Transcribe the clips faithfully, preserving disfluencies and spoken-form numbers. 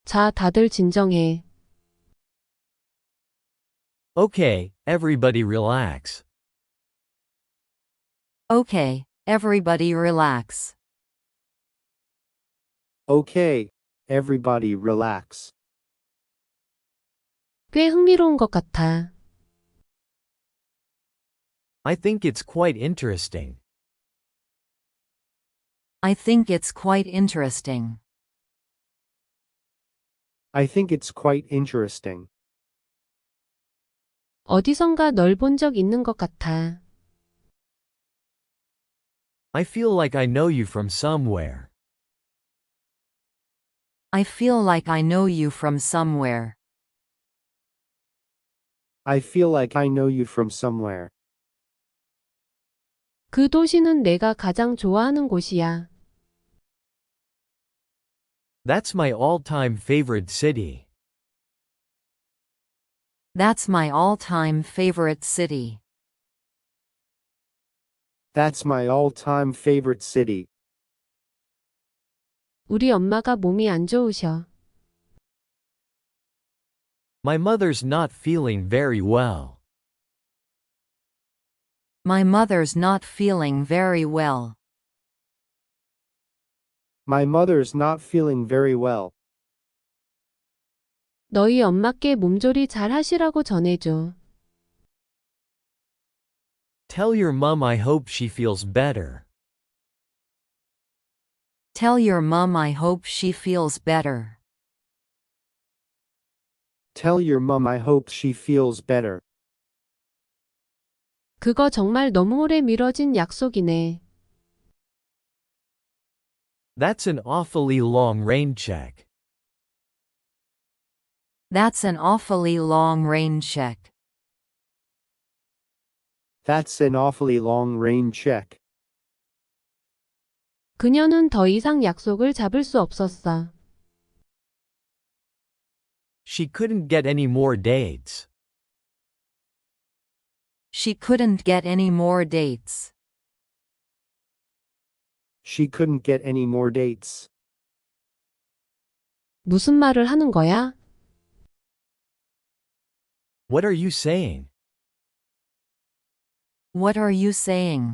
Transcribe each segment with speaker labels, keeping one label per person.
Speaker 1: 자, 다들 진정해.
Speaker 2: Okay, everybody relax.
Speaker 3: Okay, everybody relax.
Speaker 4: Okay, everybody relax.
Speaker 1: 꽤 흥미로운 것 같아.
Speaker 2: I think it's quite interesting.
Speaker 3: I think it's quite interesting.
Speaker 4: I think it's quite interesting.
Speaker 1: 어디선가 널 본 적 있는 것 같아.
Speaker 2: I feel like I know you from somewhere.
Speaker 3: I feel like I know you from somewhere.
Speaker 4: I feel like I know you from somewhere.
Speaker 1: 그 도시는 내가 가장 좋아하는 곳이야.
Speaker 2: That's my all-time favorite city.
Speaker 3: That's my all-time favorite city.
Speaker 4: That's my all-time favorite city.
Speaker 1: 우리 엄마가 몸이 안 좋으셔.
Speaker 2: My mother's not feeling very well.
Speaker 3: My mother's not feeling very well.
Speaker 4: My mother's not feeling very well.
Speaker 1: 너희 엄마께 몸조리 잘 하시라고 전해줘.
Speaker 2: Tell your mum I hope she feels better.
Speaker 3: Tell your mum I hope she feels better.
Speaker 4: Tell your mum I hope she feels better.
Speaker 1: 그거 정말 너무 오래 미뤄진 약속이네.
Speaker 2: That's an awfully long rain check.
Speaker 3: That's an awfully long rain check.
Speaker 4: That's an awfully long rain check.
Speaker 1: 그녀는 더 이상 약속을 잡을 수 없었어.
Speaker 2: She couldn't get any more dates.
Speaker 3: She couldn't get any more dates.
Speaker 4: She couldn't get any more dates.
Speaker 1: 무슨 말을 하는 거야?
Speaker 2: What are you saying?
Speaker 3: What are you saying?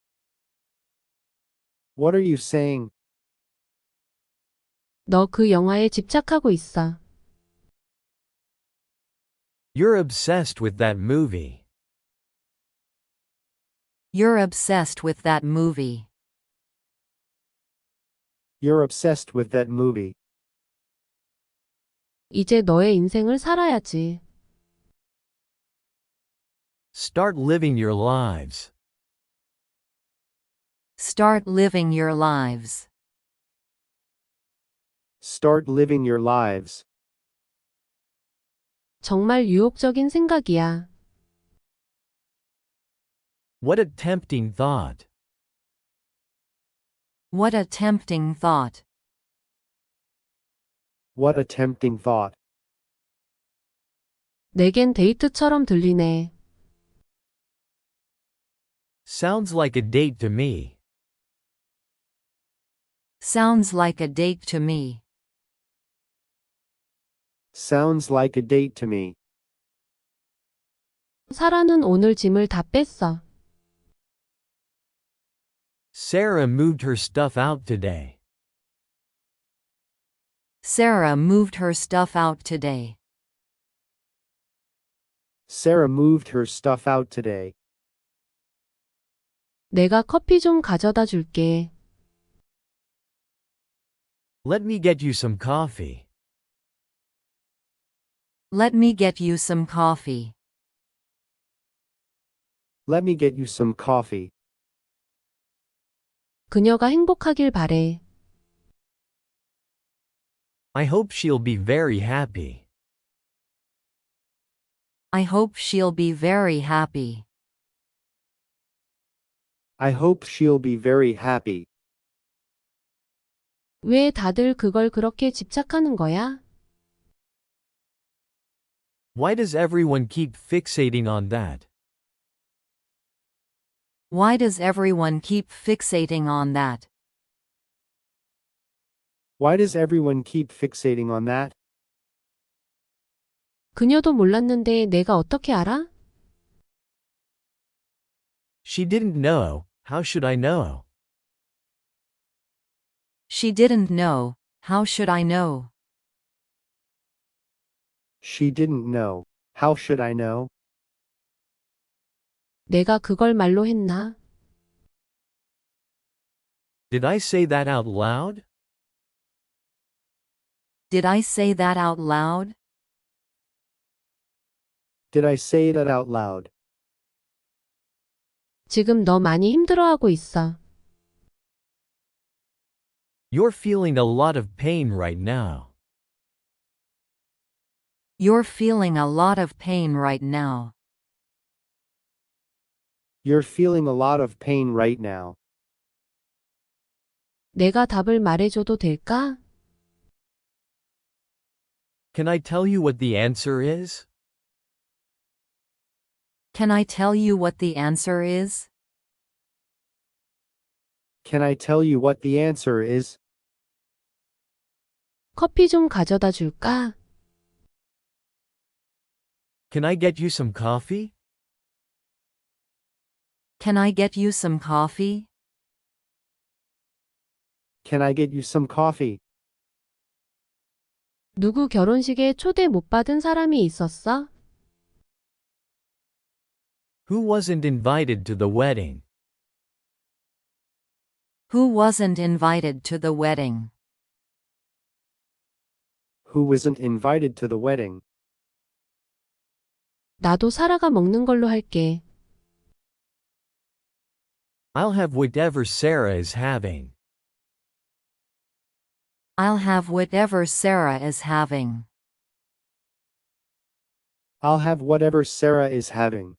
Speaker 4: What are you saying?
Speaker 1: 너 그 영화에 집착하고 있어.
Speaker 2: You're obsessed with that movie.
Speaker 3: You're obsessed with that movie.
Speaker 4: You're obsessed with that movie.
Speaker 1: 이제 너의 인생을 살아야지.
Speaker 2: Start living your lives.
Speaker 3: Start living your lives.
Speaker 4: Start living your lives.
Speaker 1: 정말 유혹적인 생각이야.
Speaker 2: What a tempting thought.
Speaker 3: What a tempting thought.
Speaker 4: What a tempting thought.
Speaker 1: 내겐 데이트처럼 들리네.
Speaker 2: Sounds like a date to me.
Speaker 3: Sounds like a date to me.
Speaker 4: Sounds like a date to me.
Speaker 1: 사라는 오늘 짐을 다 뺐어.
Speaker 2: Sarah moved her stuff out today.
Speaker 3: Sarah moved her stuff out today.
Speaker 4: Sarah moved her stuff out today.
Speaker 1: 내가 커피 좀 가져다 줄게.
Speaker 2: Let me get you some coffee.
Speaker 3: Let me get you some coffee.
Speaker 4: Let me get you some coffee.
Speaker 1: 그녀가 행복하길 바래.
Speaker 2: I hope she'll be very happy.
Speaker 3: I hope she'll be very happy.
Speaker 4: I hope she'll be very happy.
Speaker 1: 왜 다들 그걸 그렇게 집착하는 거야?
Speaker 2: Why does everyone keep fixating on that?
Speaker 3: Why does everyone keep fixating on that?
Speaker 4: Why does everyone keep fixating on that?
Speaker 1: 그녀도 몰랐는데 내가 어떻게 알아?
Speaker 2: She didn't know, how should I know?
Speaker 3: She didn't know, how should I know?
Speaker 4: She didn't know. How should I know?
Speaker 1: 내가 그걸 말로 했나?
Speaker 2: Did I say that out loud?
Speaker 3: Did I say that out loud?
Speaker 4: Did I say that out loud?
Speaker 1: 지금 너 많이 힘들어하고 있어.
Speaker 2: You're feeling a lot of pain right now.
Speaker 3: You're feeling a lot of pain right now.
Speaker 4: You're feeling a lot of pain right now.
Speaker 1: 내가 답을 말해줘도 될까?
Speaker 2: Can I tell you what the answer is?
Speaker 3: Can I tell you what the answer is?
Speaker 4: Can I tell you what the answer is?
Speaker 1: 커피 좀 가져다 줄까?
Speaker 2: Can I get you some coffee?
Speaker 3: Can I get you some coffee?
Speaker 4: Can I get you some coffee?
Speaker 1: 누구 결혼식에 초대 못 받은 사람이 있었어?
Speaker 2: Who wasn't invited to the wedding?
Speaker 3: Who wasn't invited to the wedding?
Speaker 4: Who wasn't invited to the wedding?
Speaker 1: 나도 사라가 먹는 걸로 할게.
Speaker 2: I'll have whatever Sarah is having.
Speaker 3: I'll have whatever Sarah is having.
Speaker 4: I'll have whatever Sarah is having.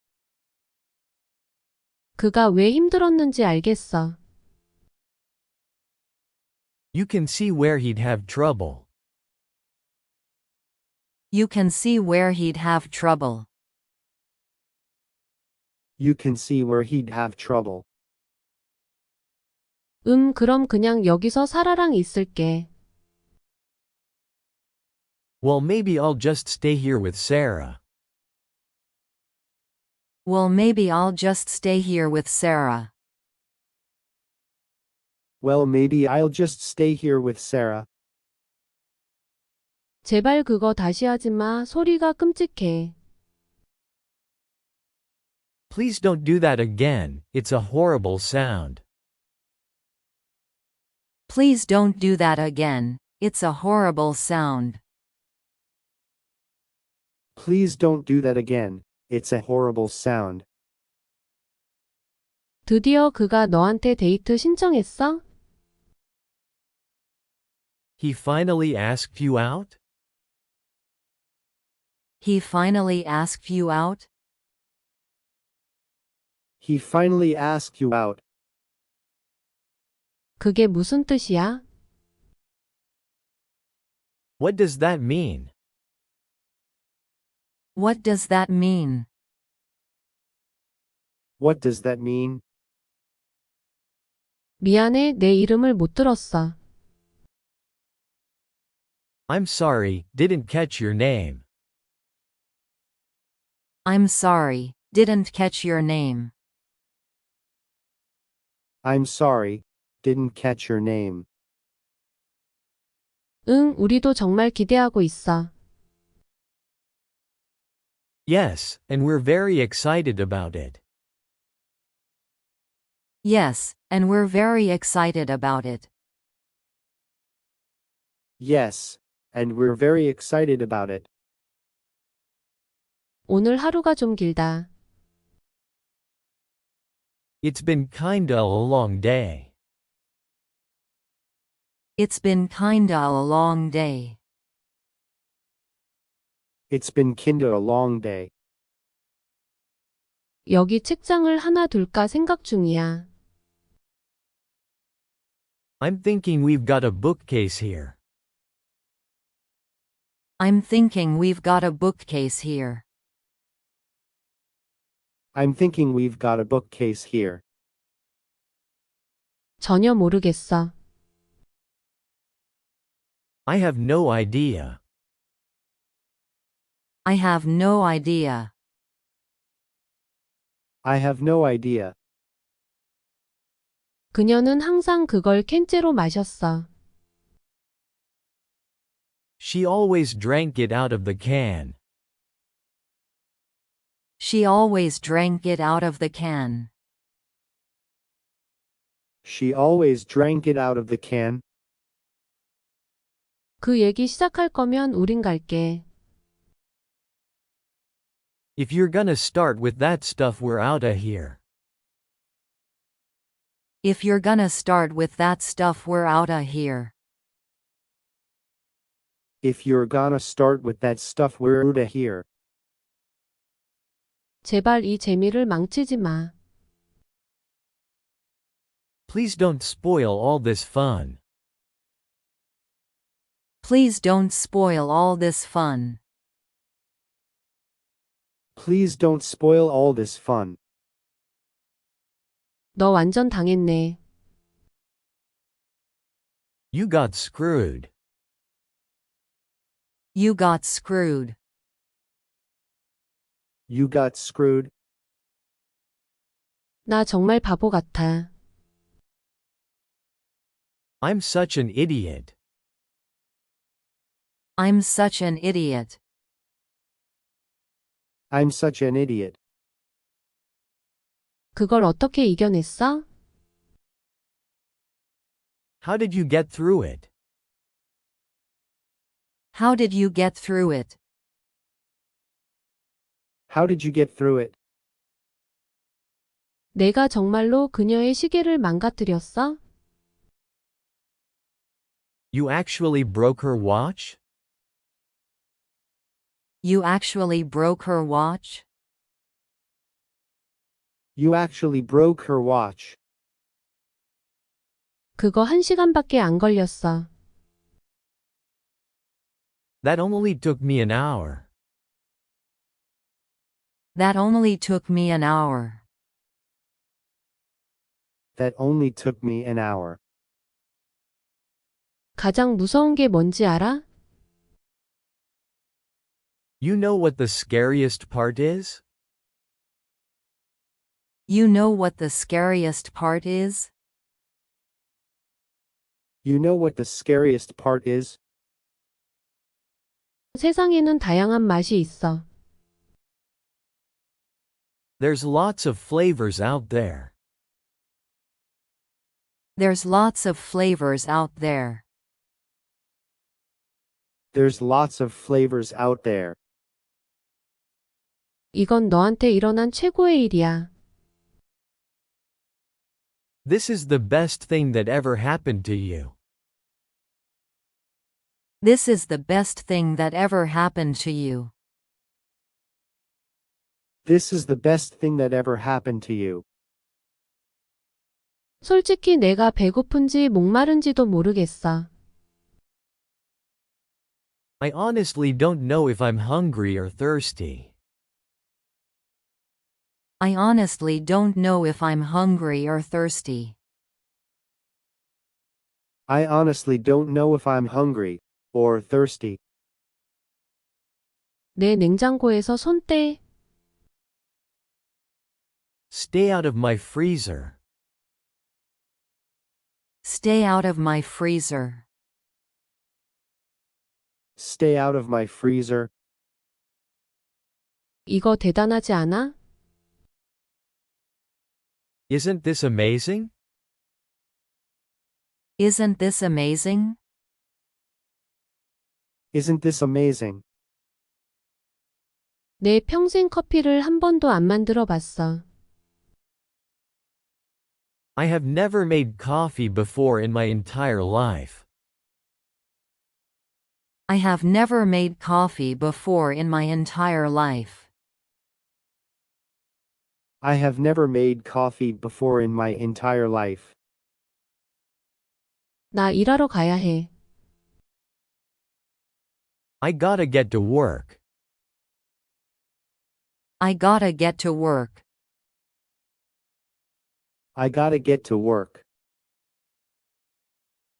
Speaker 1: 그가 왜 힘들었는지 알겠어.
Speaker 2: You can see where he'd have trouble.
Speaker 3: You can see where he'd have trouble.
Speaker 4: You can see where he'd have trouble.
Speaker 1: 음, 그럼 그냥 여기서 사라랑 있을게.
Speaker 2: Well, maybe I'll just stay here with Sarah.
Speaker 3: Well, maybe I'll just stay here with Sarah.
Speaker 4: Well, maybe I'll just stay here with Sarah.
Speaker 1: 제발 그거 다시 하지 마. 소리가 끔찍해.
Speaker 2: Please don't do that again, it's a horrible sound.
Speaker 3: Please don't do that again. It's a horrible sound.
Speaker 4: Please don't do that again. It's a horrible sound.
Speaker 1: 드디어 그가 너한테 데이트 신청했어?
Speaker 2: He finally asked you out?
Speaker 3: He finally asked you out?
Speaker 4: He finally asked you out.
Speaker 1: 그게 무슨 뜻이야?
Speaker 2: What does that mean?
Speaker 3: What does that mean?
Speaker 4: What does that mean?
Speaker 1: 미안해, 내 이름을 못 들었어.
Speaker 2: I'm sorry, didn't catch your name.
Speaker 3: I'm sorry, didn't catch your name.
Speaker 4: I'm sorry, didn't catch your name.
Speaker 1: 응, 우리도 정말 기대하고 있어.
Speaker 2: Yes, and we're very excited about it.
Speaker 3: Yes, and we're very excited about it.
Speaker 4: Yes, and we're very excited about it.
Speaker 1: 오늘 하루가 좀 길다.
Speaker 2: It's been kinda a long day.
Speaker 3: It's been kinda a long day.
Speaker 4: It's been kinda a long day.
Speaker 1: 여기 책장을 하나 둘까 생각 중이야.
Speaker 2: I'm thinking we've got a bookcase here.
Speaker 3: I'm thinking we've got a bookcase here.
Speaker 4: I'm thinking we've got a bookcase here.
Speaker 1: 전혀 모르겠어.
Speaker 2: I have no idea.
Speaker 3: I have no idea.
Speaker 4: I have no idea.
Speaker 1: 그녀는 항상 그걸 캔째로 마셨어.
Speaker 2: She always drank it out of the can.
Speaker 3: She always drank it out of the can.
Speaker 4: She always drank it out of the can.
Speaker 1: 그 얘기 시작할 거면 우린 갈게.
Speaker 2: If you're gonna start with that stuff, we're outta here.
Speaker 3: If you're gonna start with that stuff, we're outta here.
Speaker 4: If you're gonna start with that stuff, we're outta here.
Speaker 1: 제발 이 재미를 망치지 마.
Speaker 2: Please don't spoil all this fun.
Speaker 3: Please don't spoil all this fun.
Speaker 4: Please don't spoil all this fun.
Speaker 1: 너 완전 당했네.
Speaker 2: You got screwed.
Speaker 3: You got screwed.
Speaker 4: You got screwed.
Speaker 1: 나 정말 바보 같아.
Speaker 2: I'm such an idiot.
Speaker 3: I'm such an idiot.
Speaker 4: I'm such an idiot.
Speaker 1: 그걸 어떻게 이겨냈어?
Speaker 2: How did you get through it?
Speaker 3: How did you get through it?
Speaker 4: How did you get through it?
Speaker 1: 내가 정말로 그녀의 시계를 망가뜨렸어?
Speaker 2: You actually broke her watch?
Speaker 3: You actually broke her watch?
Speaker 4: You actually broke her watch.
Speaker 1: 그거 한 시간밖에 안 걸렸어.
Speaker 2: That only took me an hour.
Speaker 3: That only took me an hour.
Speaker 4: That only took me an hour.
Speaker 1: 가장 무서운 게 뭔지 알아?
Speaker 2: You know what the scariest part is?
Speaker 3: You know what the scariest part is?
Speaker 4: You know what the scariest part is?
Speaker 1: 세상에는 다양한 맛이 있어.
Speaker 2: There's lots of flavors out there.
Speaker 3: There's lots of flavors out there.
Speaker 4: There's lots of flavors out there.
Speaker 1: 이건 너한테 일어난 최고의 일이야.
Speaker 2: This is the best thing that ever happened to you.
Speaker 3: This is the best thing that ever happened to you.
Speaker 4: This is the best thing that ever happened to you.
Speaker 1: 솔직히 내가 배고픈지 목마른지도 모르겠어.
Speaker 2: I honestly don't know if I'm hungry or thirsty.
Speaker 3: I honestly don't know if I'm hungry or thirsty.
Speaker 4: I honestly don't know if I'm hungry or thirsty.
Speaker 1: 내 냉장고에서 손 떼.
Speaker 2: Stay out of my freezer.
Speaker 3: Stay out of my freezer.
Speaker 4: Stay out of my freezer.
Speaker 1: 이거 대단하지 않아?
Speaker 2: Isn't this amazing?
Speaker 3: Isn't this amazing?
Speaker 4: Isn't this amazing?
Speaker 1: 내 평생 커피를 한 번도 안 만들어 봤어.
Speaker 2: I have never made coffee before in my entire life.
Speaker 3: I have never made coffee before in my entire life.
Speaker 4: I have never made coffee before in my entire life.
Speaker 1: 나 일하러 가야 해.
Speaker 2: I gotta get to work.
Speaker 3: I gotta get to work.
Speaker 4: I gotta get to work.